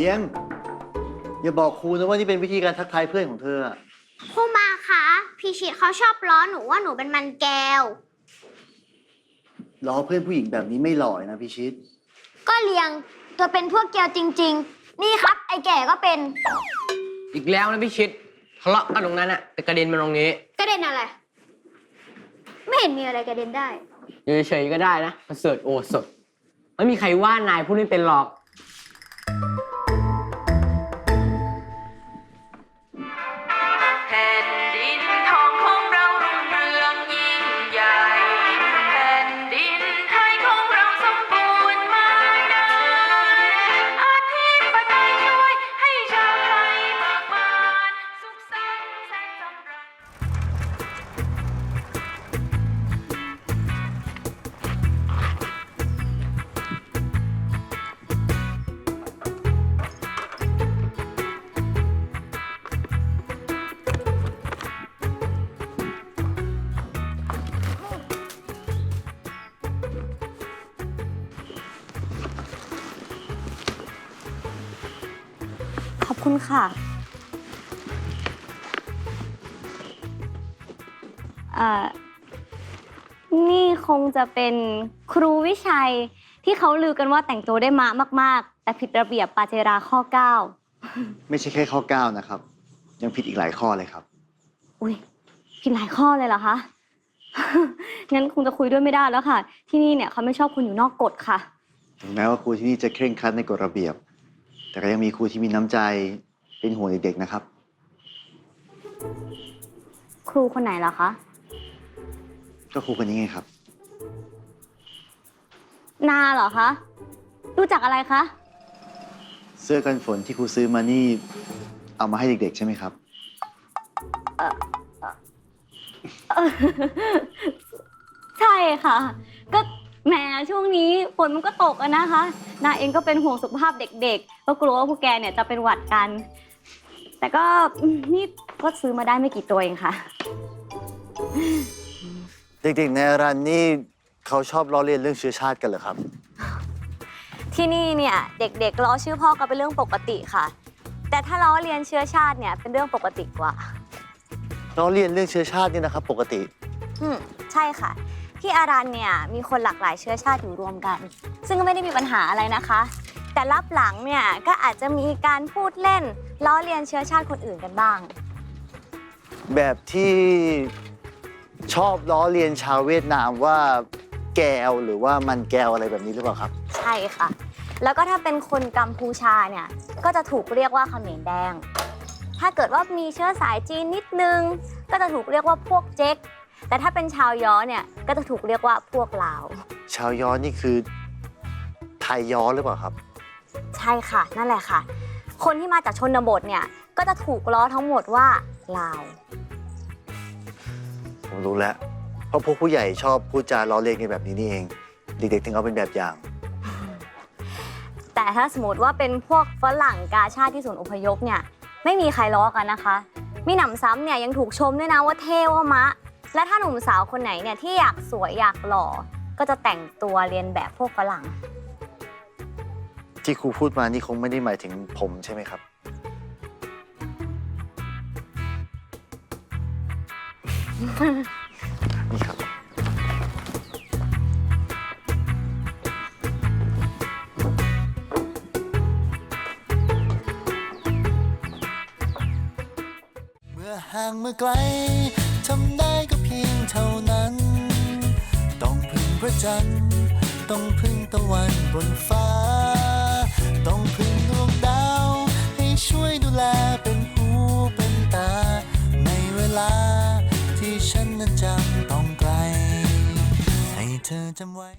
ลี้ยงอย่าบอกครูนะว่านี่เป็นวิธีการทักทายเพื่อนของเธอครูมาคะพี่ชิดเขาชอบล้อหนูว่าหนูเป็นมันแก้วล้อเพื่อนผู้หญิงแบบนี้ไม่หล่อนะพี่ชิดก็เลี้ยงตัวเป็นพวกแก้วจริงๆนี่ครับไอ้แก่ก็เป็นอีกแล้วนะพี่ชิดทะเลาะกันตรงนั้นอะแต่กระเด็นมาตรงนี้กระเด็นอะไรไม่เห็นมีอะไรกระเด็นได้อยู่เฉยๆก็ได้นะประเสริฐโอสถไม่มีใครว่านายพูดไม่เป็นหรอกแผ่นดินทองของเรารุ่งเรืองยิ่งใหญ่แผ่นดินไทยของเราสมบูรณ์มานานอาทิตย์ปไตยช่วยให้ชาวไทยเบิกบานสุขสันต์แสนสำราญขอบคุณค่ะนี่คงจะเป็นครูวิชัยที่เขาลือกันว่าแต่งตัวได้มากๆแต่ผิดระเบียบปาเจราข้อ 9 ไม่ใช่แค่ข้อ9นะครับยังผิดอีกหลายข้อเลยครับอุ้ยผิดหลายข้อเลยเหรอคะ งั้นคงจะคุยด้วยไม่ได้แล้วค่ะที่นี่เนี่ยเขาไม่ชอบคนอยู่นอกกฎค่ะถึงแม้ว่าครูที่นี่จะเคร่งครัดในกฎระเบียบแต่ก็ยังมีครูที่มีน้ำใจเป็นห่วงเด็กๆนะครับครูคนไหนเหรอคะก็ครูคนนี้ไงครับนาเหรอคะรู้จักอะไรคะเสื้อกันฝนที่ครูซื้อมานี่เอามาให้เด็กๆใช่ไหมครับใช่ค่ะก็แหมช่วงนี้ฝนมันก็ตกอะนะคะนาเองก็เป็นห่วงสุขภาพเด็กๆก็กลัวว่าพวกแกเนี่ยจะเป็นหวัดกันแต่ก็นี่ก็ซื้อมาได้ไม่กี่ตัวเองค่ะเด็กๆในอารันนี่เขาชอบล้อเลียนเรื่องเชื้อชาติกันเหรอครับที่นี่เนี่ยเด็กๆล้อชื่อพ่อก็เป็นเรื่องปกติค่ะแต่ถ้าล้อเลียนเชื้อชาติเนี่ยเป็นเรื่องปกติกว่าล้อเลียนเรื่องเชื้อชาตินี่นะครับปกติใช่ค่ะที่อารันเนี่ยมีคนหลากหลายเชื้อชาติอยู่รวมกันซึ่งก็ไม่ได้มีปัญหาอะไรนะคะแต่ลับหลังเนี่ยก็อาจจะมีการพูดเล่นล้อเลียนเชื้อชาติคนอื่นกันบ้างแบบที่ชอบล้อเลียนชาวเวียดนามว่าแก้วหรือว่ามันแก้วอะไรแบบนี้หรือเปล่าครับใช่ค่ะแล้วก็ถ้าเป็นคนกัมพูชาเนี่ยก็จะถูกเรียกว่าเขมรแดงถ้าเกิดว่ามีเชื้อสายจีนนิดนึงก็จะถูกเรียกว่าพวกเจ๊กแต่ถ้าเป็นชาวย้อเนี่ยก็จะถูกเรียกว่าพวกลาวชาวย้อนี่คือไทยย้อหรือเปล่าครับใช่ค่ะนั่นแหละค่ะคนที่มาจากชนบทเนี่ยก็จะถูกล้อทั้งหมดว่าลาวผมรู้แล้วเพราะพวกผู้ใหญ่ชอบพูดจาล้อเลียนกันแบบนี้นี่เองเด็กๆถึงเอาเป็นแบบอย่างแต่ถ้าสมมติว่าเป็นพวกฝรั่งกาชาติที่ศูนย์อพยพเนี่ยไม่มีใครล้อกันนะคะมีหนำซ้ำเนี่ยยังถูกชมด้วยนะว่าเท่ว่ามะและถ้าหนุ่มสาวคนไหนเนี่ยที่อยากสวยอยากหล่อก็จะแต่งตัวเรียนแบบพวกฝรั่งที่ครูพูดมานี่คงไม่ได้หมายถึงผมใช่ไหมครับนี่ครับเมื่อห่างเมื่อไกลทำได้ก็เพียงเท่านั้นต้องพึ่งพระจันทร์ต้องพึ่งตะวันบนฟ้าต้องพึ่งดวงดาวให้ช่วยดูแลเป็นหูเป็นตาในเวลาที่ฉันนั้นจำต้องไกลให้เธอจำไว้